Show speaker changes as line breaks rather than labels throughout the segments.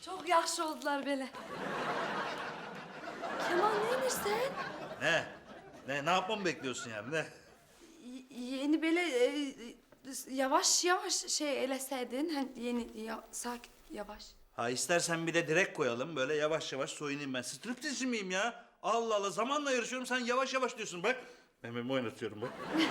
Çok yaxşı oldular böyle. Kemal neymişsen?
Ne yapmamı bekliyorsun yani ne?
Yeni böyle yavaş yavaş şey eleseydin. Hani yeni sakin yavaş.
Ha istersen bir de direkt koyalım böyle yavaş yavaş soyunayım ben. Striptizci miyim ya? Allah Allah zamanla yarışıyorum sen yavaş yavaş diyorsun bak. Mememi oynatıyorum bak.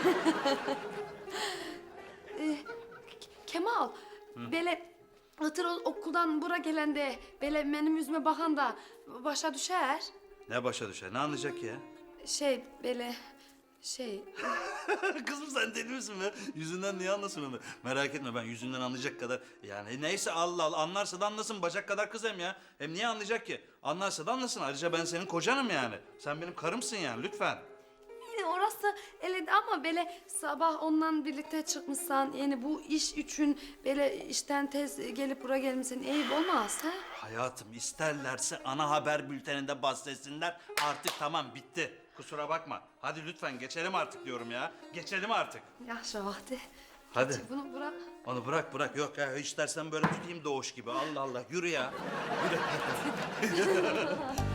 Kemal, böyle ıtır okuldan bura gelende, böyle benim yüzüme bakan da başa düşer.
Ne başa düşer ne anlayacak ya?
Şey böyle şey.
Kızım sen deli misin be? Yüzünden niye anlasın onu? Merak etme ben yüzünden anlayacak kadar... Yani neyse Allah Allah anlarsa da anlasın bacak kadar kız hem ya. Hem niye anlayacak ki? Anlarsa da anlasın. Ayrıca ben senin kocanım yani. Sen benim karımsın yani lütfen.
Yani orası öyle ama böyle sabah onunla birlikte çıkmışsan yani bu iş için böyle işten tez gelip buraya gelmişsin eyip olmaz ha?
Hayatım isterlerse ana haber bülteninde bahsetsinler. Artık tamam bitti. Kusura bakma. Hadi lütfen geçelim artık diyorum ya. Geçelim artık.
Yaşa vakti.
Hadi.
Bunu bırak.
Onu bırak. Yok ya istersen böyle tutayım doğuş gibi. Allah Allah yürü ya. Yürü.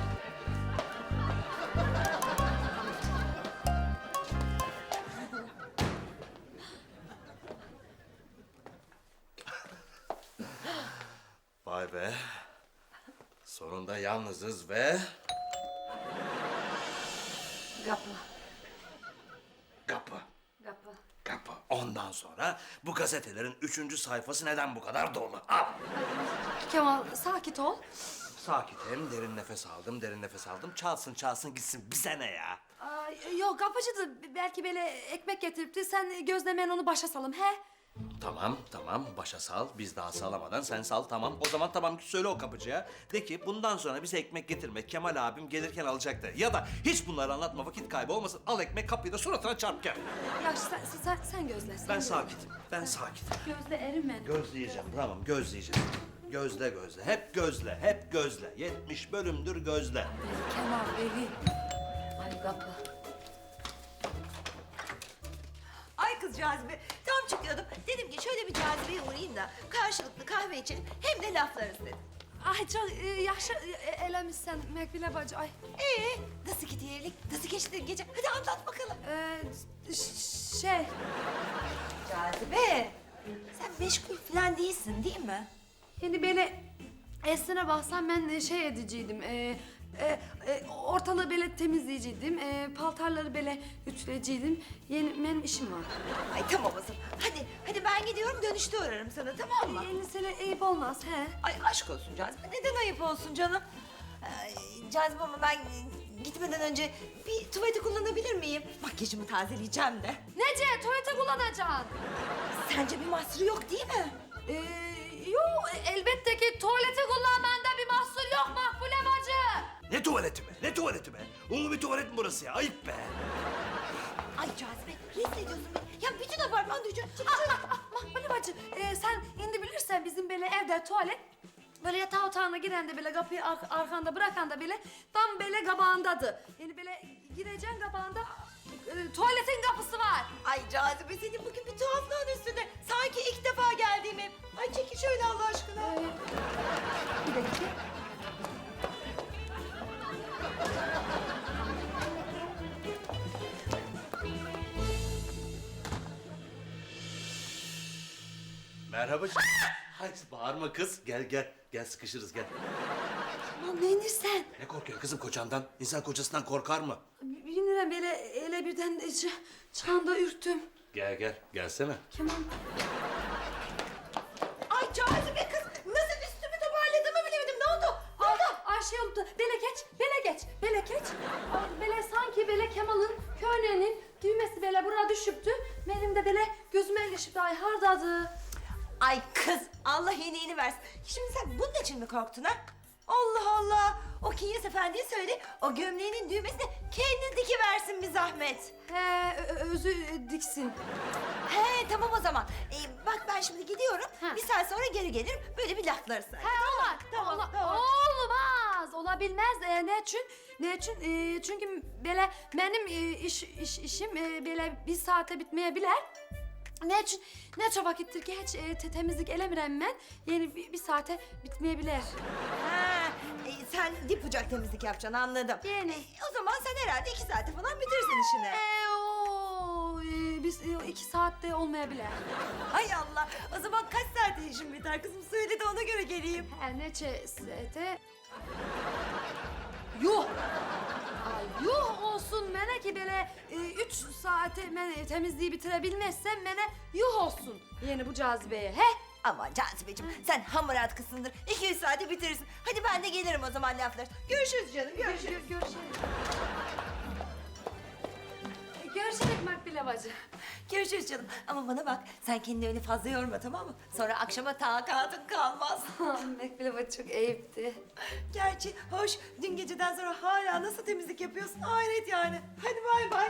Vay be. Sonunda yalnızız ve...
Kapı.
Kapı.
Kapı.
Kapı. Ondan sonra bu gazetelerin 3. sayfası neden bu kadar dolu? Al.
Kemal sakin ol.
Sakitim, derin nefes aldım. Çalsın gitsin. Bize ne ya?
Yok kapıcıdı belki böyle ekmek getiripti sen gözlemeyen onu başa salım he?
Tamam. Başa sal. Biz daha salamadan sen sal tamam. O zaman tamam söyle o kapıcıya. De ki bundan sonra bize ekmek getirme. Kemal abim gelirken alacaktı. Ya da hiç bunları anlatma vakit kaybı olmasın. Al ekmek kapıyı da suratına çarp gel.
Ya sen gözle. Sen
Ben
gözle.
sakitim.
Gözle erim ben.
Gözleyeceğim tamam gözleyeceğim. Gözle. Hep gözle. 70 bölümdür gözle.
Kemal evi. Ay kapı.
Ay kız Cazibe, tam çıkıyordum. Dedim ki şöyle bir Cazibe'ye uğrayayım da karşılıklı kahve içelim hem de laflarız dedim.
Ay çok yaşa elemişsen Mekbile bacı ay.
Nasıl gidiyor evlilik? Nasıl geçti gece? Hadi anlat bakalım.
Şey
Cazibe, sen meşgul falan değilsin değil mi?
yani böyle esine baksan ben şey ediciydim. Ortalığı böyle temizleyiciydim. Paltarları böyle ütüleyiciydim. Benim işim var.
Ay tamam o zaman. Hadi ben gidiyorum dönüşte uğrarım sana tamam mı?
Yani sana ayıp olmaz he.
Ay aşk olsun Cazibe. Neden ayıp olsun canım? Cazibe ama ben gitmeden önce bir tuvaleti kullanabilir miyim? Makyajımı tazeleyeceğim de.
Nece tuvalete kullanacaksın?
Sence bir mahsuru yok değil mi?
Yok elbette ki tuvaleti kullanmanda bir mahsur yok Makbule bacı.
Ne tuvaleti be? Ulu bir tuvalet mi burası ya? Ayıp be.
Ay Cazibe rezil ediyorsun beni. Ya bütün apartman duyacak.
Makbule bacı sen indi bilirsen bizim böyle evde tuvalet böyle yatağı otağına giren de böyle kapıyı arkanda bırakan da böyle tam böyle kabağındadır. Yani böyle gireceksin kabağında tuvaletin kapısı var.
Ay Cazibe senin bugün bir tuhaflığın üstünde. Sanki ilk defa geldiğim ev. Ay çekil şöyle Allah aşkına.
Bir dakika.
Merhaba. Hay bağırma kız. Gel sıkışırız gel.
Aman ne inirsen?
Ne korkuyorsun kızım kocandan? İnsan kocasından korkar mı?
Bilmiyorum böyle ele birden çağında ürktüm.
Gelsene.
Kemal.
Ay Cazibe kız nasıl üstümü toparladığımı bilemedim. Ne oldu?
Ay şey oldu. Bele geç. Ay, Bele sanki böyle Kemal'ın köğnenin düğmesi böyle buraya düşüptü. Benim de böyle gözüme ilişipti. Ay hardadı.
Ay kız Allah iyiliğini versin. Şimdi sen bunun için mi korktun ha? Allah Allah. O Kinyas Efendi'ye söyle o gömleğinin düğmesini kendi dikiversin bir zahmet.
He özü diksin.
He tamam o zaman. Bak ben şimdi gidiyorum.
Ha.
Bir saat sonra geri gelirim. Böyle bir laflarız.
He olur.
Tamam.
Olmaz. Olabilmez. Ne için? Çünkü böyle benim işim böyle bir saate bitmeyebilir. ne çok vakittir ki hiç temizlik elemirem ben. Yani bir saate bitmeyebilir.
Ha, sen dip bucak temizlik yapacaksın anladım.
Yani.
O zaman sen herhalde 2 saate falan bitirsin işini.
Biz 2 saatte olmayabilir.
Hay Allah. O zaman kaç saate işin biter kızım? Söyle de ona göre geleyim.
Her neçe saate... Yuh! Ay, yuh olsun mene ki böyle 3 saate mene temizliği bitirebilmezsem mene yuh olsun. Yani bu cazibeye he?
Aman Cazibeciğim sen hamarat kızsındır. 200 saate bitirirsin. Hadi ben de gelirim o zaman laflar. Görüşürüz canım görüşürüz.
Görüşelim. Görüşelim Makbule bacı.
Görüşürüz canım. Ama bana bak sen kendini öyle fazla yorma tamam mı? Sonra akşama takatın kalmaz.
Makbule bacı çok ayıptı.
Gerçi hoş dün geceden sonra hala nasıl temizlik yapıyorsun hayret yani. Hadi bay bay.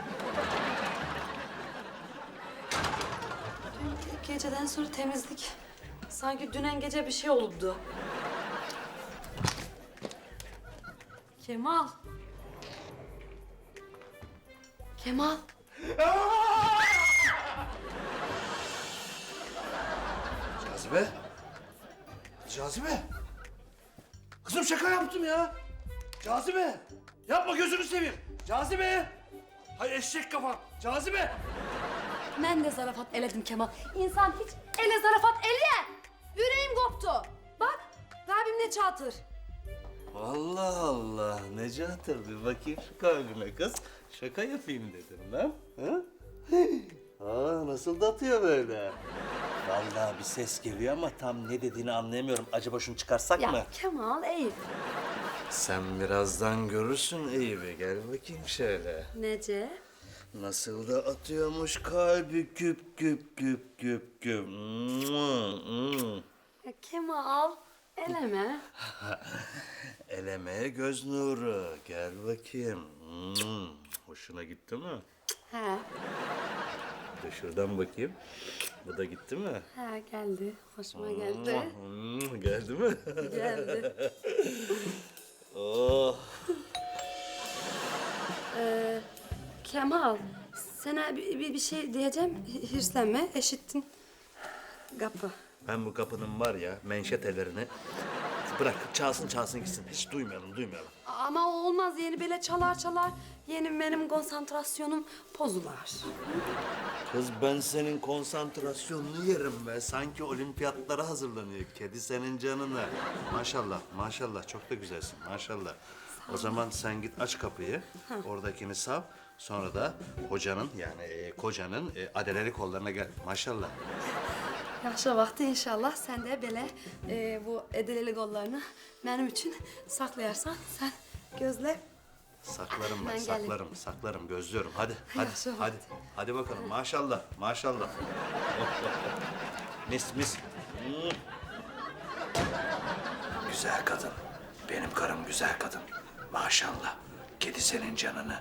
Dün geceden sonra temizlik. Sanki dünen gece bir şey olubdu. Kemal. Kemal.
Cazibe. Cazibe. Kızım şaka yaptım ya. Cazibe. Yapma gözünü seveyim. Cazibe. Hay eşek kafa. Cazibe.
Ben de zarafat eledim Kemal. İnsan hiç ele zarafat ele. Yüreğim koptu. Bak, Rabbim ne çatır.
Allah Allah. Necati bir bakayım şu kalbime kız. Şaka yapayım dedim lan. Ha? Aa, nasıl da atıyor böyle? Vallahi bir ses geliyor ama tam ne dediğini anlayamıyorum. Acaba şunu çıkarsak mı?
Ya Kemal Eyüp.
Sen birazdan görürsün Eyüp'ü. Gel bakayım şöyle.
Nece?
Nasıl da atıyormuş kalbi güp güp güp güp güp.
Ya Kemal, eleme.
Elemeye göz nuru. Gel bakayım. Hoşuna gitti mi?
He,
Bir de şuradan bakayım. Bu da gitti mi?
he geldi. Hoşuma geldi.
Geldi mi?
Geldi.
Oh.
Kemal, sana bir şey diyeceğim. Hirslenme, eşittin. Kapı.
Ben bu kapının var ya menşetelerini bırak çalsın gitsin. Hiç duymayalım.
Ama olmaz, yeni böyle çalar. Yeni benim konsantrasyonum bozular.
Kız ben senin konsantrasyonunu yerim be. Sanki olimpiyatlara hazırlanıyor. Kedi senin canını. Maşallah çok da güzelsin maşallah. O zaman sen git aç kapıyı. Oradakini sav. Sonra da hocanın yani kocanın adeleli kollarına gel. Maşallah.
Yaşa vakti inşallah sen de böyle bu edeleli kollarını benim için saklayarsan sen gözle.
Saklarım ben,
Ben
saklarım, gözlüyorum. Hadi.
Yaşa
Hadi bakalım. Maşallah. Mis. Güzel kadın. Benim karım güzel kadın. Maşallah. Kedi senin canını.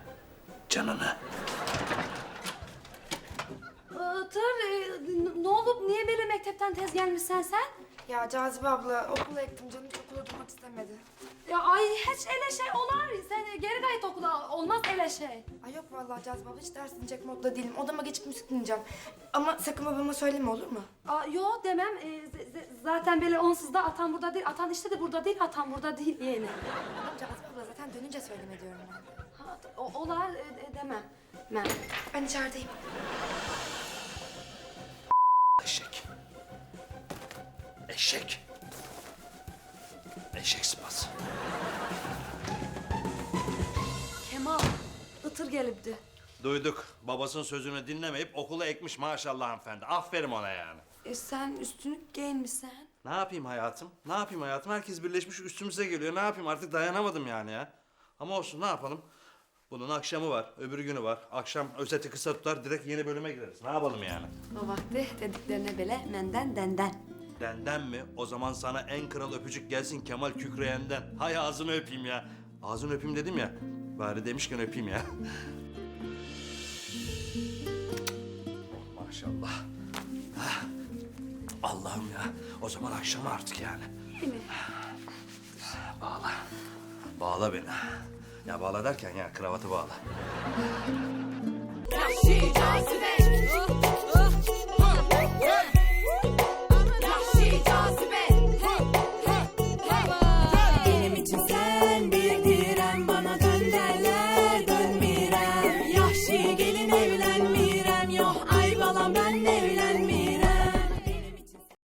Ne olup niye böyle mektepten tez gelmişsen sen?
Ya Cazibe abla okula ektim canım hiç okula durmak istemedi.
Ya ay hiç ele şey olar. Sen geri gayet okula olmaz ele şey.
Ay yok vallahi Cazibe abla hiç ders dinleyecek modda değilim. Odama geçip müzik dinleyeceğim. Ama sakın babama söyleme olur mu?
Aa, yo demem. Zaten böyle onsuz da atan burada değil. Atan işte de burada değil. Atan burada değil yani.
Tamam Cazibe abla zaten dönünce söyleme diyorum ben.
Ha, olar demem.
Ben içerideyim.
Eşek sıpası.
Kemal, ıtır gelipti.
Duyduk. Babasının sözünü dinlemeyip okula ekmiş maşallah hanımefendi. Aferin ona yani.
Sen üstünlük giyinmişsin.
Ne yapayım hayatım? Herkes birleşmiş üstümüze geliyor. Ne yapayım artık dayanamadım yani ya. Ama olsun ne yapalım? Bunun akşamı var, öbür günü var. Akşam özeti kısa tutar, direkt yeni bölüme gireriz. Ne yapalım yani?
O vakti dediklerine bile menden denden.
Denden mi? O zaman sana en kral öpücük gelsin Kemal Kükreyen'den. Hay ağzını öpeyim ya. Ağzını öpeyim dedim ya. Bari demişken öpeyim ya. Maşallah. Ah, Allah'ım ya. O zaman akşam artık yani.
Değil mi?
Bağla. Bağla beni. Ya bağla derken ya kravatı bağla.
Yahşi cazibe